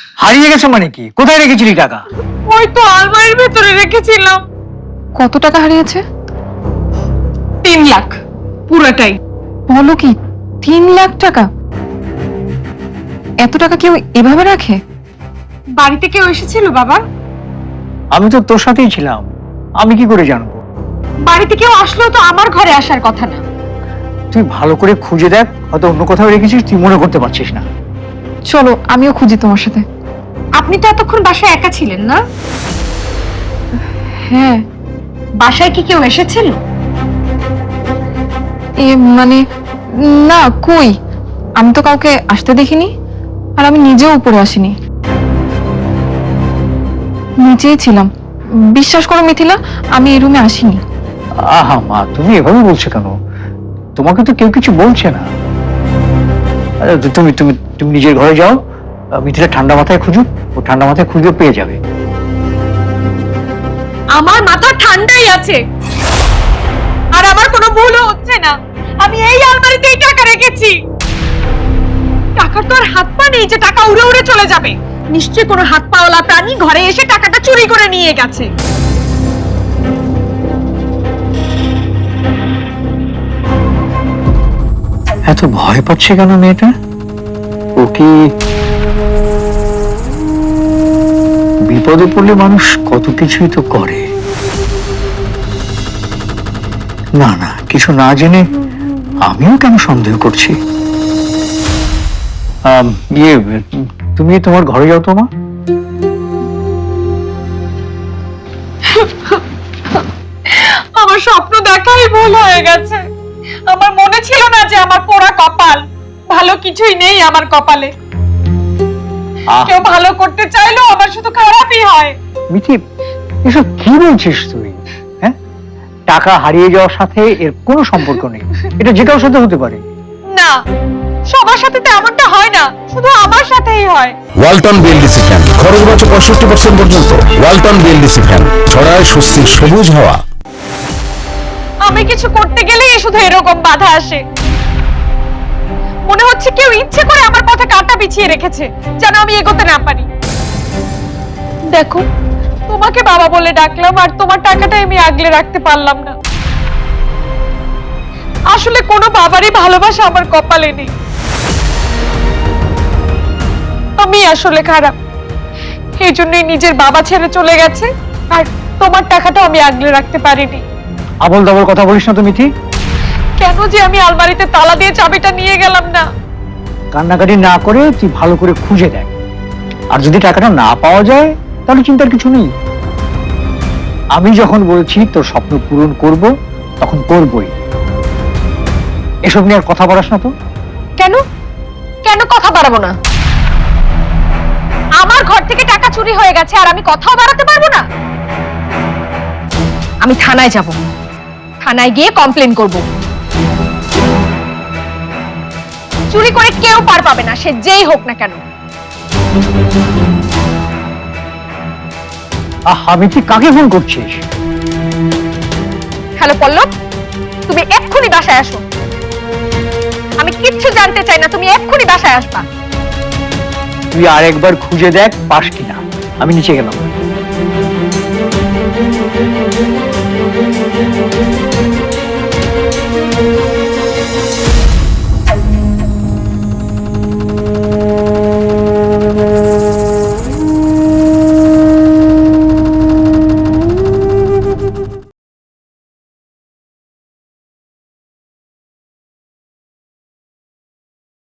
হারিয়ে গেছে মানে কি? কোথায় রেখেছিলি টাকা? ওই তো আলমারির ভেতরে রেখেছিলাম। কত টাকা হারিয়েছে? 3 লাখ পুরোটাই। বলো কি, 3 লাখ টাকা? এত টাকা কেউ এভাবে রাখে? বাড়িতে কেউ এসেছিল বাবা? আমি তো তোর সাথেই ছিলাম, আমি কি করে জানবো? বাড়িতে কেউ আসলেও তো আমার ঘরে আসার কথা না। তুই ভালো করে খুঁজে দেখ, হয়তো অন্য কোথাও রেখেছিস, তুই মনে করতে পারছিস না। চলো আমিও খুঁজি তোমার সাথে। আপনি তো এতক্ষণ বাসায় একা ছিলেন না? হ্যাঁ। বাসায় কি কেউ এসেছিল? মানে না, কই, আমি তো কাউকে আসতে দেখিনি, আর আমি নিজেও উপরে আসিনি, নিচেই ছিলাম। বিশ্বাস করো মিথিলা, আমি এই রুমে আসিনি। আহা মা, তুমি এভাবে বলছো কেন? তোমাকে তো কেউ কিছু বলছে না। আরে তুমি তুমি তুমি নিজের ঘরে যাও, মিথিলা ঠান্ডা মাথায় খুঁজুক, ও ঠান্ডা মাথায় খুঁজে পেয়ে যাবে। আমার মাথা ঠান্ডাই আছে, আর আমার কোনো ভুলও হচ্ছে না। আমি এই আলমারিতেই টাকা রেখেছি। টাকার তো আর হাত পা নেই যে টাকা উড়ে উড়ে চলে যাবে। নিশ্চয়ই কোনো হাত পাওয়ালা প্রাণী ঘরে এসে টাকাটা চুরি করে নিয়ে গেছে। এত ভয় পাচ্ছে কেন মেয়েটা? ও কি বিপদে পড়লে মানুষ কত কিছুই তো করে। না না, কিছু না জেনে আমিও কেন সন্দেহ করছি। ইয়ে, তুমি তোমার ঘরে যাও তো মা। আমার স্বপ্ন দেখাই ভুল হয়ে গেছে। আমার মনে ছিল না যে আমার পোড়া কপাল, ভালো কিছুই নেই আমার কপালে। কেউ ভালো করতে চাইলেও আমার শুধু খারাপই হয়। মিথি, এসব কি বলছিস তুই? হ্যাঁ, টাকা হারিয়ে যাওয়ার সাথে এর কোনো সম্পর্ক নেই, এটা যে কারোর সাথে হতে পারে। না, সবার সাথে তো এমনটা হয় না, শুধু আমার সাথেই হয়। ওয়ালটন বিএলডিসি ফ্যান খরচ বাঁচে 65% পর্যন্ত। ওয়ালটন বিএলডিসি ফ্যান ছড়ায় স্বস্তির সবুজ হাওয়া। আমি কিছু করতে গেলেই শুধু এরকম বাধা আসে। মনে হচ্ছে কেউ ইচ্ছে করে আমার পথে কাঁটা বিছিয়ে রেখেছে যেন আমি এগোতে না পারি। দেখো, তোমাকে বাবা বলে ডাকলাম, আর তোমার টাকাটা আমি আগলে রাখতে পারলাম না। আসলে কোনো বাবারই ভালোবাসা আমার কপালে নেই। আমি আসলে খারাপ, এই জন্যই নিজের বাবা ছেড়ে চলে গেছে, আর তোমার টাকাটা আমি আগলে রাখতে পারিনি। আবল দাবল কথা বলিস না তো মিথি। কেন যে আমি আলমারিতে তালা দিয়ে চাবিটা নিয়ে গেলাম না? কান্নাকাটি না করে তুই ভালো করে খুঁজে দেখ, আর যদি টাকাটা না পাওয়া যায় তাহলে চিন্তার কিছু নেই। আমি যখন বলছি তোর স্বপ্ন পূরণ করব, তখন করবই। এসব নিয়ে আর কথা বলাস না তো। কেন কেন কথা বাড়াবো না? আমার ঘর থেকে টাকা চুরি হয়ে গেছে, আর আমি কথাও বাড়াতে পারবো না? আমি থানায় যাব, থানায় গিয়ে কমপ্লেন করব। চুরি করে কেউ পার পাবে না, সে যেই হোক না কেন। মিথি, কাকে ফোন করছিস? হ্যালো পল্লব, তুমি এক্ষুনি বাসায় আসো। আমি কিচ্ছু জানতে চাই না, তুমি এক্ষুনি বাসায় আসবা। তুই আরেকবার খুঁজে দেখ পাস কিনা। আমি নিচে গেলাম।